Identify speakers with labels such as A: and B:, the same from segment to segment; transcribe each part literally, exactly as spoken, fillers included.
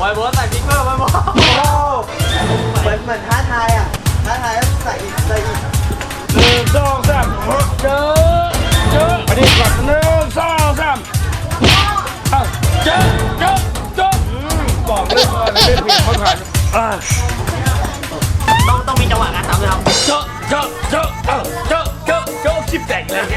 A: อ้โบใส่พริกเพิ่มไอ้โบเหมือนเหมือนท้าทายอ่ะท้าทายแล้วใส่อีกใส่อีก
B: หนึ่งสองสามเจอเจอมาดิก่อนหนึ่งสองสามเจอเจอเจอบอกเลยว่าเล่นผิดเขาผ่านอ่า
A: ต้องต้องมีจังหวะการตามเลยครับ
B: เจอเจอเจอเจอเจอเจอเจอคลิปแตกเลย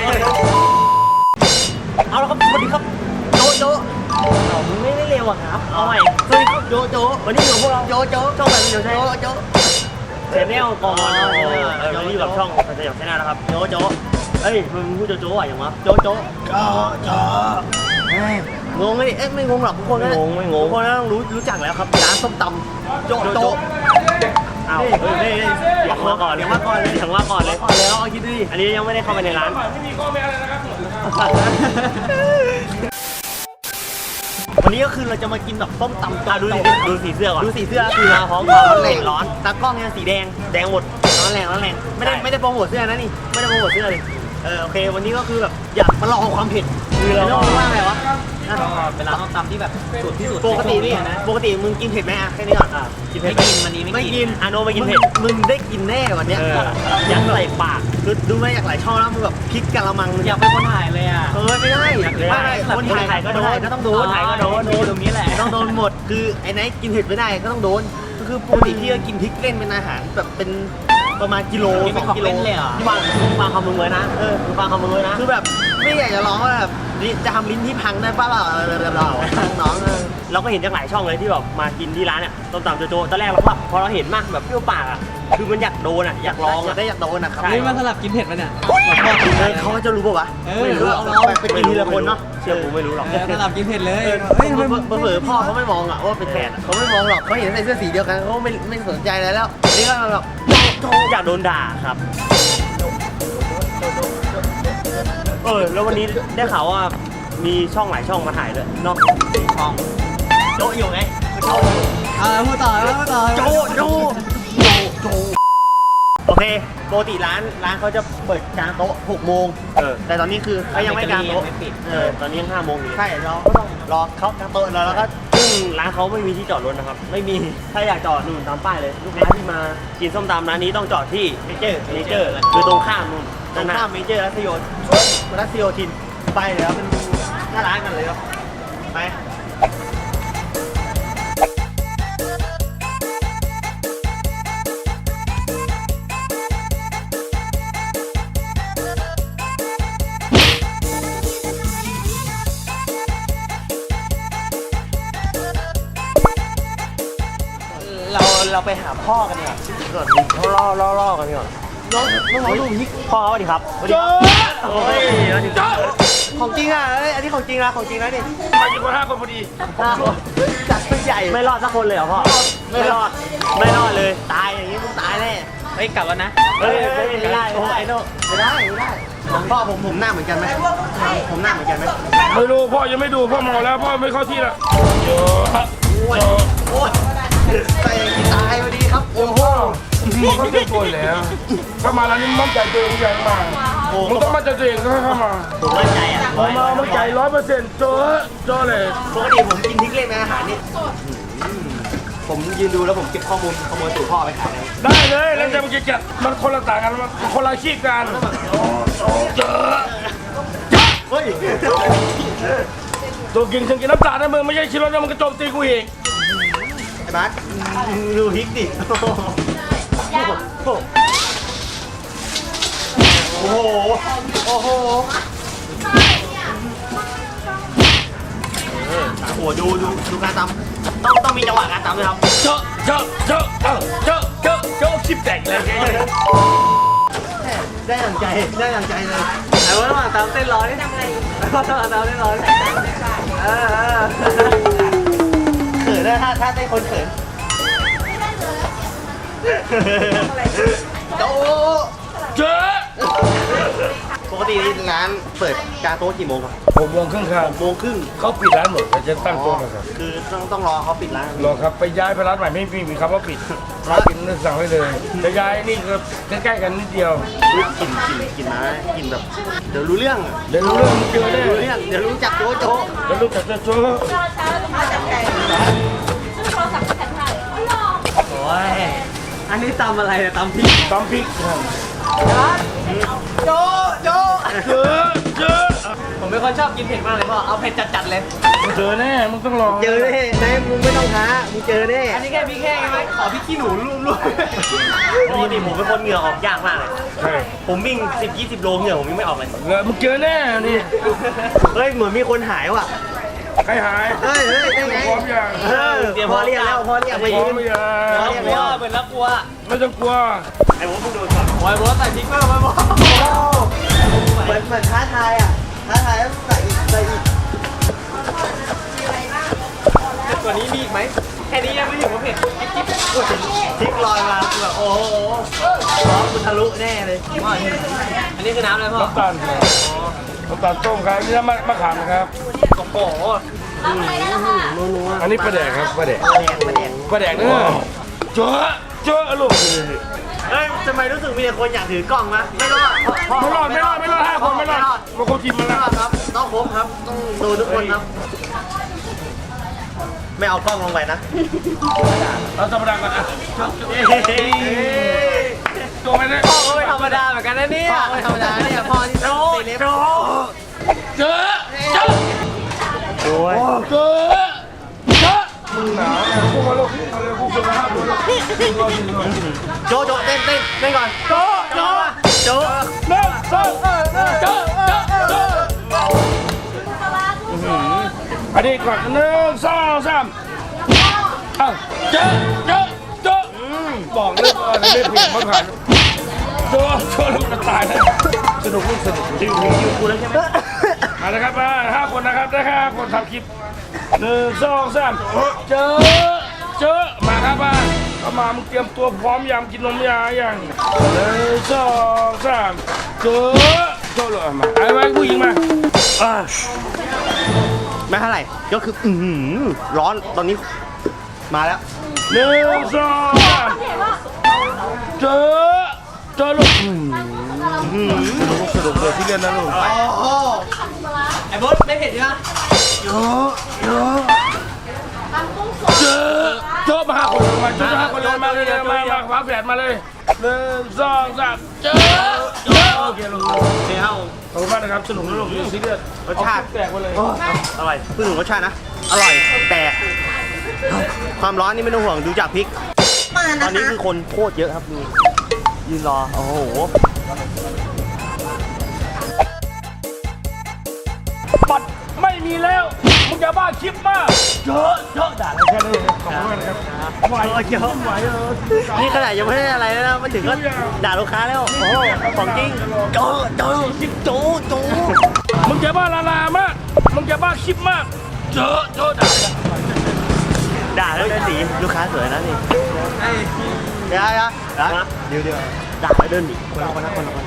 A: เอาละครับสวัสดีครับโจโจเรามึงไม่ได้เร็วอ่ะครับเอาใหม่สวัสดีครับโจโจวันนี้อยู่พวกเราโจโจช่องแบบเดียวใช่โจโจเชนแนลก่อนเออวันนี้อยู่กับช่องสยามชาแนลนะครับโจโจเอ้ยมึงพูดโจโจอ่ะอย่างวะโจโจ
B: โจโจ
A: งงไหมเอ๊ะไม่งงหรอกทุกคนไม่งงไม่งงทุกคนต้องรู้รู้จักแล้วครับร้านส้มตำโจโจอ้าวเฮ้ยเฮ้ยเดี๋ยวมาก่อนเดี๋ยวมาก่อนเลยเดี๋ยวมาก่อนเลยก่อนแล้วคิดดิอันนี้ยังไม่ได้เข้าไปในร้าน
B: ไม่มีข้อแม้อะไรนะครับ
A: วันนี้ก็คือเราจะมากินแบบต้มตำดูสีดูสีเสื้อก่อนดูสีเสื้อคือมาพร้อมความร้อนร้อนตากล้องเนี่ยสีแดงแดงหมดร้อนแรงร้อนแรงไม่ได้ไม่ได้โปรโมทเสื้อนะนี่ไม่ได้โปรโมทเสื้อเลยเออโอเควันนี้ก็คือแบบอยากมาลองความเผ็ดคือเราว่าไงวะเป็นร้านต้มตำที่แบบสุดที่สุดปกตินี่นะปกติมึงกินเผ็ดไหมอ่ะแค่นี้ก่อนอ่ะกินเผ็ดไม่กินวันนี้ไม่กินอาโนไม่กินเผ็ดมึงได้กินแน่วันนี้อยากใส่ปากคือดูไม่อยากหลายช่องแล้วมึงแบบพริกกะละมังอยากเป็นคนถ่ายเลยอ่ะเออไม่ได้ไม่ได้คนถ่ายก็โดนก็ต้องโดนถ่ายก็โดนโดนตรงนี้แหละต้องโดนหมดคือไอ้ไหนกินเผ็ดไม่ได้ก็ต้องโดนก็คือปกติที่จะกินพริกเล่นเป็นอาหารแบบเป็นประมาณกิโลสองกิโลเลยเหรอที่วางวางคำมึงไว้นะเออวางคำมึงไว้นะคือแบบไม่อยากจะร้องว่าแบบจะทำลิ้นที่พังได้ป่ะเราเราน้องเราก็เห็นจากหลายช่องเลยที่แบบมากินที่ร้านเนี่ยต้มตำโจโจตอนแรกเราก็พอเราเห็นมากแบบเปรี้ยวปากอ่ะคือมันอยากโดนอ่ะอยากลองอ่ะได้อยากโดนอ่ะครับ
C: นี่มันสลับกินเผ็ดมันเนี่ย
A: เขาจะรู้ป่ะวะไม่รู้ไปกินทีละคนเนาะเชื่อกูไม่รู้หรอก
C: สลับกินเผ็ดเลย
A: เฮ้ยเผลอพ่อเขาไม่มองอ่ะว่าเป็นแขกเขาไม่มองหรอกเขาเห็นใส่เสื้อสีเดียวกันเขาไม่ไม่สนใจอะไรแล้วนี่ก็แบบโจอยากโดนด่าครับเออแล้ววันนี้ได้ข่าวว่ามีช่องหลายช่องมาถ่ายเลยเนาะช่องโจอยู่ไงโจ
C: อ่าพูดต่อพูดต่อ
A: โจโจโจโจโอเคปกติร้านร้านเขาจะเปิดกลางโต๊ะหกโมงเออแต่ตอนนี้คือเขายังไม่กลางโต๊ะเออตอนนี้ยังห้าโมงอยู่ใช่เราก็ต้องรอเขากลางโต๊ะแล้วแล้วก็ซึ่งร้านเขาไม่มีที่จอดรถนะครับไม่มีถ้าอยากจอดนู่นตามป้ายเลยลูกค้าที่มากินส้มตำร้านนี้ต้องจอดที่เมเจอร์เมเจอร์คือตรงข้ามนู่นตรงข้ามเมเจอร์รัชโยธินรัชโยธินไปเลยครับเป็นหน้าร้านกันเลยครับไปเราเราไปหาพ่อกันดีกว่าก่อนเขาล่อล่อล่อกันดีกว่าน้องน้องดูพี่พ่อสวัสดีครับสวัสดีครับโอ้ยของจริงอ่ะอันนี้ของจริงนะของจริงนะนี่
B: มาอยู่กันห้าคนพอดี
A: ห้าคนจัดใหญ่ไม่รอดสักคนเลยเหรอพ่อไม่รอดไม่รอดเลยตายอย่างนี้มึงตายแน่
C: เฮ้ยกลับแล้วนะ
A: เฮ้ยไม่ได้โอ้ไอ้โน่ไม่ได้ไม่ได้พ่อผมผมหน้าเหมือนกันไหมผมหน้าเหมือนกันไหม
B: ไม่รู้พ่อยังไม่ดูพ่อเมาแล้วพ่อไม่เข้าที่ละโอ้
A: ยโอ้ยใส่ตายพอดีครับโอ้โห
B: เขาเรียกตัวแล้วเข้ามาแล้วนี่มั่นใจตัวเองอย่างมากมึงต้องมั่นใจตัวเองก็เข้ามา
A: ผมมั่นใจอ่ะ
B: ผมมามั่นใจร้อยเปอร์เซ็นต์โจ้โจ้เลย
A: ปกติผมกินพริกเล่นในอาหารนี่ผมยืนดูแล้วผมเก็บข้อมูลขโมยสูตรพ่อไปขาย
B: ได้เลยแล้วจะมันจะจัดมันคนละต่างกันมันคนละชีพกันเจอ
A: เฮ้ย
B: ตัวกินถึงกินน้ำตาลนะมึงไม่ใช่ชิโร่นะมึงกระโจมตีกูเอง
A: ไอ้บัสดูพริกดิโอ้โหโอ้โหโอ้โหดูดูดูการตำต้องต้องมีจังหวะการตำเลยครับ
B: เจาะเจาะเจาะเจาะเจาะเจาะชิปแตกเลย
A: ได้อย่างใจได้อย่างใจเลยไอ้ว่าระหว่างตำเต้นร้อนนี่ทำไงระหว่างตำเต้นร้อนเออเขินได้ถ้าถ้าได้คนเขินโจ
B: เจอ
A: ปกติร้านเปิดกลางโต๊ะกี่โมงครับ
B: หกโมงครึ่งครับ
A: หกโมงครึ่ง
B: เขาปิดร้านหมดแต่จะตั้งโต๊ะนะครับ
A: คือต้องต้องรอเขาปิดร้าน
B: รอครับไปย้ายไปร้านใหม่ไม่มีมีคำว่าปิดร้านปิดนึกสั่งไว้เลยจะย้ายนี่ก็ใกล้ๆกันนิดเดียว
A: กินกินกินนะกินแบบเดี๋ยวรู้เรื่อง
B: เดี๋ยวรู้เรื่องเจอได้
A: รู้เรื่องเดี๋ยวรู้จักโจโจ
B: เดี๋ยวรู้จักโจโจ
C: นี้ตำอะไรอะตำพริก
B: ตำพริก
C: โจโจ
B: เจอเจอ
C: ผมเป็นคนชอบกินเผ็ดมากเลยพ่อเอาเผ็ดจัดๆเลย
B: เจอแน่มึงต้องลอง
A: เจอแน่นายมึงไม่ต้องท้ามึงเจอแน่
C: อันนี้แค่พริกแห้งใช่ไหมขอพริกขี้หนูลูบ
A: ปกติผมเป็นคนเหงื่อออกยากมากเลย
B: ใช่
A: ผมวิ่งสิบยี่สิบโลเหงื่อผมยังไม่ออกเลย
B: เงมึงเจอแน่นี่
A: เฮ้ยเหมือนมีคนหายว่ะ
B: ใครหาย
A: เฮ้ยเฮ้ยได้ไง
B: พร้อมยัง
A: เออพอเรียกแล้วพอเรียกไป
B: พร้
A: ยื
B: อม
A: น
B: ยัง
C: ๆแล้วกลัวเหมือนแล้วกลัว
B: ไม่ต้องกลัว
A: ไอ้ผมเพิ่งโดนช็อต
C: โอ้ยบอสใส่พริกเพิ่มไปบอส
A: เหมือนเหมือนท้าทายอ่ะท้าทายแล้วใส่อีกใส่อีก
C: ตัวนี้มีอีกไหมแค่นี้ยังไม่ถึงว่าเผ็ดจิ๊บจิ๊บโอ้ย
A: พลิกลอยมาคือแบบโอ้โหร้องกูทะลุแน่เลย
C: อันนี้คือน้ำอะไรพ่อ
B: น้ำตาลครับน้ำตาลต้มครับนี่น้ำมะมะขามนะครับ
C: โอ้โห
B: อันนี้ปลาแดกครับปลาแดก
A: มาแดงมาแดง
B: ปลาแดกเนื้อเจอเจอลูก
A: เฮ้ยทำไมรู้สึกมีแต่คนอยากถือกล้องนะไม่รอด
B: ไม่รอดไม่รอดไม่รอดห้าคนไม่รอดมาคนทีมมา
A: ไม่
B: แล้ว
A: รอดครับต้องครบครับต้องดูทุกคนครับ ไม่เอากล้องลงไปนะ
B: เราธรรมดาก่อนอ่ะโจไปเลย
C: พ่อก็ไม่ธรรมดาเหมือนกันนะเนี่ย
A: พ่อไม่ธรรมดาเนี่ยพ่อที่
B: โจ
A: ตีเล็บ
B: โจเจอเจอ
A: โอ้ย
B: เจอเจอมึงหนาวเนี่ยพวกมาลูกมาเลยพวกคุณมาห้าคนลูก
A: โจโจเต้นเต้นเต้นก่อน
B: โจโจ
A: โจ
B: หนึ่งสองเจอเจอเจออันนี้ก่อนหนึ่งสองสามอ้าวเจอเจอเจอบอกเลยว่าเล่นผิดมาผ่านเจอเจอแล้วมันตายเลยสนุกลูกสนุก
A: ถึงถึงคิวกูแล้วใช่ไหม
B: มาเลยครับมาห้าคนนะครับได้แค่ห้าคนทำคลิปหนึ่งสองสามเจอเจอมาครับมาเข้ามามึงเตรียมตัวพร้อมยำกินนมยาอย่างหนึ่งสองสามเจอเจอเลยมาไอ้ไว้ผู้หญิงมาอ่า
A: ไม่เท่าไหร่ก็คืออือหือร้อนตอนนี้มาแล้ว
B: หนึ่งสองสามเจอเจอลูกอืมลูกสนุกเลยที่เล่นนะลูก
C: ไอ้บอสไม่เผ็ดใช่ไหม
B: เยอะเยอะเจอเจอมาห้าคนมาเจอห้าคนเลยมาเลยมามาฟ้าแฝดมาเลยหนึ่งสองสามเจอเจอโอเคลูก
A: เจ้า
B: ขอบคุณมากนะครับสนุกนะลูกที่ซีเรียส
A: รสชาติ
B: แตกไปเลย
A: อร่อยพูดถึงรสชาตินะ อร่อยแต่ความร้อนนี่ไม่ต้องห่วงดูจากพริก ตอนนี้คือคนโคตรเยอะครับดูยืนรอ โอ้โห
B: ปัดไม่มีแล้วมึงอย่าบ้าคลิปมากเยอะเยอะด่าอะไรแค่นี้ขอบคุณมากนะครับไหว
A: เยอะ
B: ไหวเออ
A: นี่ขนาดยังไม่ได้อะไรเลยนะมันถึงก็ด่าลูกค้าแล้ว โอ้โหของจริงโจโจโจโจ
B: มึงอย่าบ้าลาลามากมึงอย่าบ้าคลิปมากเจอเจอด่า
A: ด่าแล้วเดินหนีลูกค้าสวยนะนี่
C: ไอ้
A: เดี๋ยวเดี๋ยวเดี๋ยวเดี๋ยวด่าแล้วเดินหนีคนละคนละคนละคน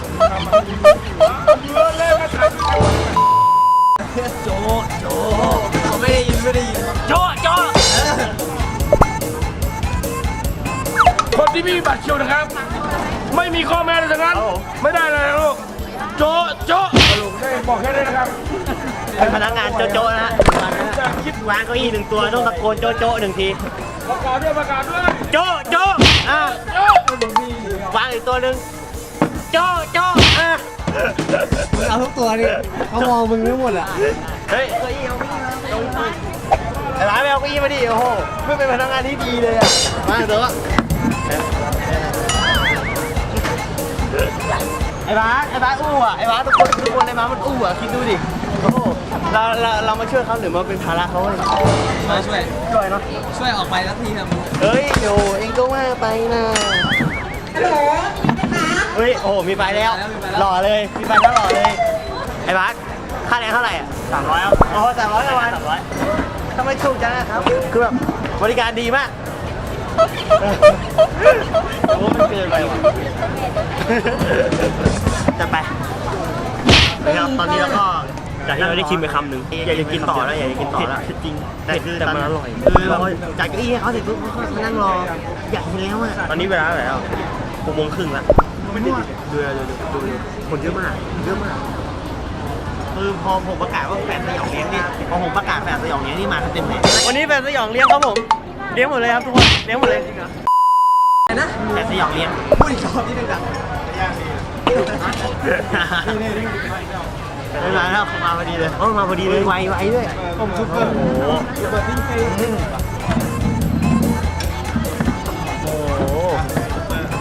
B: เล่นมาถ่าย
C: โจโจเขาไม่ได้ยินไม่ได้ยิน
B: โจโจคนที่ไม่มีบัตรคิวนะครับ ไม่มีข้อแม้เลยทั้งนั้นไม่ได้เลยนะลูกโจโจลูกได้บอกแค่นี้นะครับ
A: เป็นพนักงานโจโจนะฮะ
B: คิด
A: วางเก้าอี้หนึ่งตัวต้องตะโกนโจโจหนึ่งที
B: ประกาศด้วยประกาศด้วย
A: โจโจอ่ะ
B: โจ
A: วางอีกตัวหนึ่งโจโจอ่ะ
C: มึงเอาทุกตัวนี่เขามองมึงไม่หมดอ่ะ
A: เฮ้ยเก้าอี้เอาเก้าอี้มาเก้าอี้มาไอ้ร้านไม่เอาเก้าอี้มาดิโอ้โหไม่เป็นพนักงานที่ดีเลยอ่ะมาเถอะไอ้บ้าสไอ้บ้าสอู้อ่ะไอ้บ้าสทุกคนทุกคนไอ้บ้าสมันอู้อ่ะคิดดูดิโอ้โหเราเราเรามาช่วยเขาหรือมาเป็นภาระเขาเลย
C: มาช่วย
A: ช่วยเนาะ
C: ช่วยออกไปสักทีเถอะ
A: เฮ้ยโยเองก็ว่าไปนะเฮ้ยโอ้โหมีไปแล้วหล่อเลยมีไปแล้วหล่อเลยไอ้บ้าสค่าแรงเท่าไหร่อ่ะสามร้อยครับโอ้สามร้อยประมาณสามร้อยทำไมถูกจังอะครับคือแบบบริการดีมากโอ้มันเกินไปว่ะจะไปนะครับตอนนี้เราก็จากที่เราได้ชิมไปคำหนึ่งอยากจะกินต่อแล้วอยากจะกินต่อแล้วจริงแต่คือแต่มันอร่อยคือเราจ่ายเก้าอี้ให้เขาเสร็จปุ๊บเขาก็มานั่งรออยากกินแล้วอ่ะตอนนี้เวลาเท่าไหร่แล้วหกโมงครึ่งแล้วดูดูดูดูดูคนเยอะมากเยอะมากคือพอผมประกาศว่าแฟนสยองเลี้ยงนี่พอผมประกาศแฟนสยองเลี้ยงนี่มากันเต็มเลยวันนี้แฟนสยองเลี้ยงครับผมเลี้ยงหมดเลยครับทุกคนเลี้ยงหมดเลย
C: นะ
A: แต่สยองเลี้ยง
C: พูดอีกรอบนิดนึงจ้ะ
A: ไม่มาแล้วมาพอดีเลยโอ้มาพอดีเลยไวไวด้วย
B: ผมซุปเปอร์
A: โอ้โห
B: ซุปเปอร์ทิ้งไป
A: โอ้โห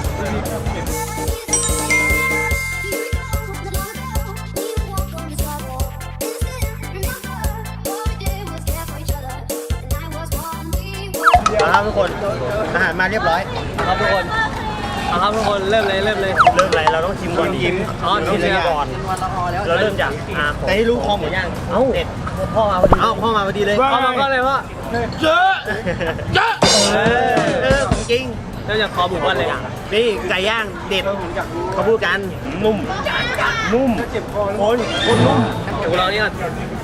A: เอาครับทุกคนอาหารมาเรียบร้อย
C: ครับทุกคนเอาครับทุกคนเริ่มเลยเริ่มเลย
A: เริ่มอะไรเราต้องชิมก่อนชิม
C: อ๋อ
A: ต้องชิมก่อนเราเริ่มจากอาแต่ให้รู้คอหมูย่างเอ้าเด็ดพ่อมาพอดีเอ้าพ่อมาพอดีเลย
C: เอามาก็เลยว่า
B: เยอะเยอะ
A: เออเออของจริง
C: เริ่มจากคอหมูก่อนเลย
A: นี่ไก่ย่างเด็ดเขาพูดกันนุ่มนุ่มคนคนนุ่ม
C: เดี๋ยวเรานี่ก่อน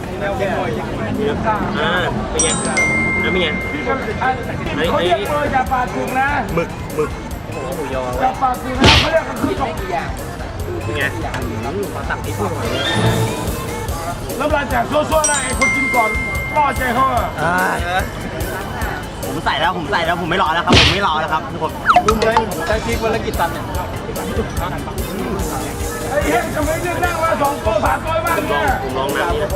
A: อ่าเป็นไงแล้วเป็นไง
B: เขาเรียกเลยจะปาถึงนะ
A: หมึกหมึก
C: หมูยอ
B: จะปาถึงนะเขาเรียกกันคือสอง
A: เป็นไง
C: ขอตักนิดนึง
B: แล้วเวลาจากโซ่ๆนะไอ้คนกินก่อนล่อใจเขาอะ
A: อ่าผมใส่แล้วผมใส่แล้วผมไม่รอแล้วครับผมไม่รอแล้วครับทุกคน
C: ดูเลยใช้พริกวันละกี่ตันเนี่ย
B: ไอ้เฮ้ยทำไมเรียกนั่งมาสองโต๊ะสามโต๊ะบ้าง
A: ลอ
B: เนี่
A: ง
B: ย
A: ผมลองน้ำนี่นะ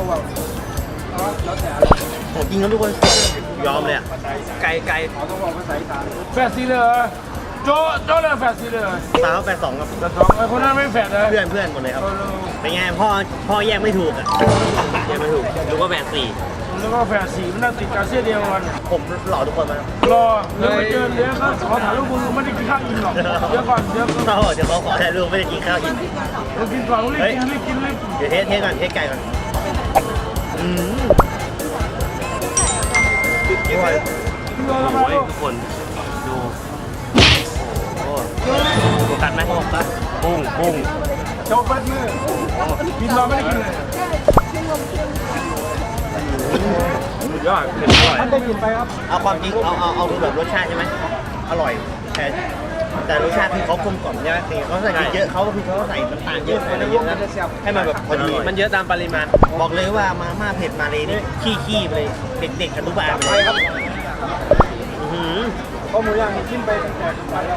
A: ผมจริงครับทุกคนยอมเลยอ่ะ
C: ไก่ไก่
B: แฟดสีเลยโจ้โจ้เลยแฟดสีเลย
A: ตาเขาแปดสองครับ
B: แต่สองไอ้คนนั้นไม่แฟดเลย
A: เพื่อนเพื่อนหมดเลยครับเป็นไงพ่อพ่อแยกไม่ถูกอ่ะแยกไม่ถูกหรือว่าแปดสี่
B: แล้วก็แฟดสีมันน่าติดกับเสื้อเดียวกัน
A: ผมหล่อทุกคนมาร
B: อเดี๋ยวไปเจอเดี๋ยวก็ขอถ่ายรูปมึงไม่ได้กินข้าวอิ่มหรอกเดี๋ยวก่อนเดี๋ยวก่อน
A: เขาเดี๋ยวเขาขอถ่ายรูปไม่ได้กินข้าวอีก
B: มึงกินก่อนมึงรีบกินรีบกินรีบ
A: เดี๋ยวเทสเทสก่อนเทสไก่ก่อนอืม
B: กินเลย
A: โอ้
B: มาย ลูก
A: ทุกคนดูโอ้โฟกัสไหมโฟกัสปุ้งปุ้ง
B: โจ้แฟดมือกินรอไม่ได้กินเลย
A: ยอดเผ็ดอร่อย
B: มันได้กินไปครับ
A: เอาความจริงเอาเอาเอาดูแบบรสชาติใช่ไหมอร่อยแต่แต่รสชาติคือเขากลมกล่อมใช่ไหมคือเขาใส่พริกเยอะเขาก็คือเขาใส่น้ำตาลเยอะอะไรเยอะนะให้มันแบบพอดี
C: มันเยอะตามปริมาณ
A: บอกเลยว่ามาม่าเผ็ดมาเลยนี่ขี้ขี้ไปเลยเด็กๆอนุบาลไปเลยครับอื้อหือ
B: ข้าวหมูย่างนี่กินไปตั้งแต่ไปแล้ว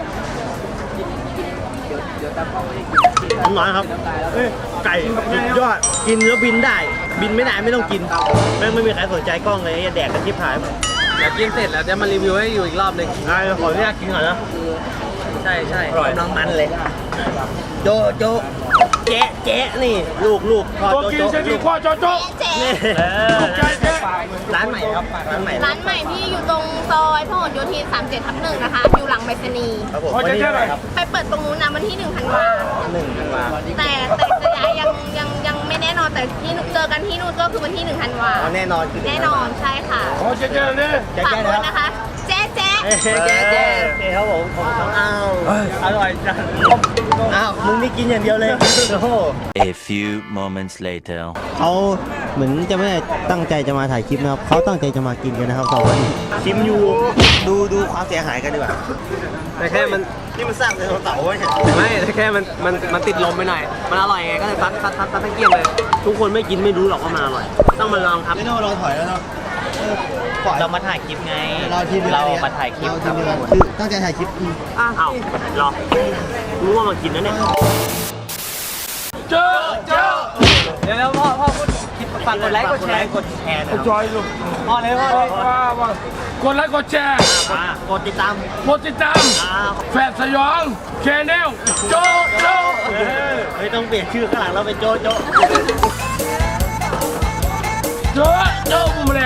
A: น้อยครับเอ้ยไก่สุดยอดกินแล้วบินได้ บินไม่ได้ไม่ต้องกินแม่งไม่มีใครสนใจกล้องเลยแดกกันที่ผายหมด
C: เดี๋ยวกินเสร็จแล้วจะมารีวิวให้อยู่อีกรอบหนึ่ง
A: ได้ขออนุญาตกินก่อนนะ
C: ใช่ใช่
A: กำลังมันเลย โจโจเจ๊เจ๊นี่ลูกลูกพ่อ
B: ตัว
A: โจ
B: กิน
A: โจ
B: เส้นดีกว่าโจ้โจ้
A: นี่เออ
B: ใจแค่
A: ร้านใหม่ครับร้านใหม่
D: ร้านใหม่ที่อยู่ตรงซอยพหลโยธินสามสิบเจ็ดทับหนึ่งนะคะ อยู่หลังไปรษณีย์
A: ครับผม
B: ขอใจแค่ไหน
A: ครับ
D: ไปเปิดตรงนู้นนะวันที่หนึ่งธันวา
A: หนึ่งธันวา
D: แต่แต่จะย้ายยังยังยังไม่แน่นอนแต่ที่เจอกันที่นู่นก็คือวันที่หนึ่งธันวา
A: อ๋อแน่นอนคือ
D: แน่นอนใช่ค่ะ
B: ขอใจแค่เลย
A: แจ๊
D: ฝาก
A: ๆ
D: ด้วย
A: นะ
D: นะคะ แจ๊ะแจ๊ะ
A: เจ๊เจ๊เจ๊เจ๊ครับผมผมต้องอ้าวอร่อยจังอ้าวมึงนี่กินอย่างเดียวเลยโอ้โห
E: A few moments later.
F: เขาเหมือนจะไม่ได้ตั้งใจจะมาถ่ายคลิปนะครับเขาตั้งใจจะมากินกันนะครับสองคนนี้
A: ชิมอยู่ดูดูความเสียหายกันดีกว่า
C: แต่แค่มัน
A: นี่มันสร้างเป็นเสาไว้เนี่ย
C: ไม่แต่แค่มันมันมันติดลมไปหน่อย มันอร่อยไงก็เลยซัดซัดซัดซัดทั้งเกลี้ยงเลย
A: ทุกคนไม่กินไม่รู้หรอกว่ามันอร่อย ต้องมาลองครับ
F: ไม่ต้องเราถอยแล้วเนาะ
A: เรามาถ่ายคลิปไง
F: เราทีเดียว
A: เรามาถ่ายคลิป
F: เรา
A: ค
F: ที
A: รับ
F: เดียวคือตั้งใจถ่ายคลิปอืม
A: อ้าวรอรู้ว่ามากินนะเนี่ย
B: เจ้าเจ้า
C: เดี๋ยวแล้วพ่อพ่อพูดคลิปฝากกดไลค์กดแชร์
A: กดแชร์นะ
B: จอยลูก
C: พ่อเลยพ่อเลย
B: ว้าวว้ากดไลค์กดแชร์
A: กดติดตาม
B: กดติดตาม
A: อ่า
B: แฟดสยองแชนแนลโจ้โจ้
A: เฮ้ยต้องเปลี่ยนชื่อข้างหลังเราเป็นโจโจ
B: โจ้โจ้บุ้มเลย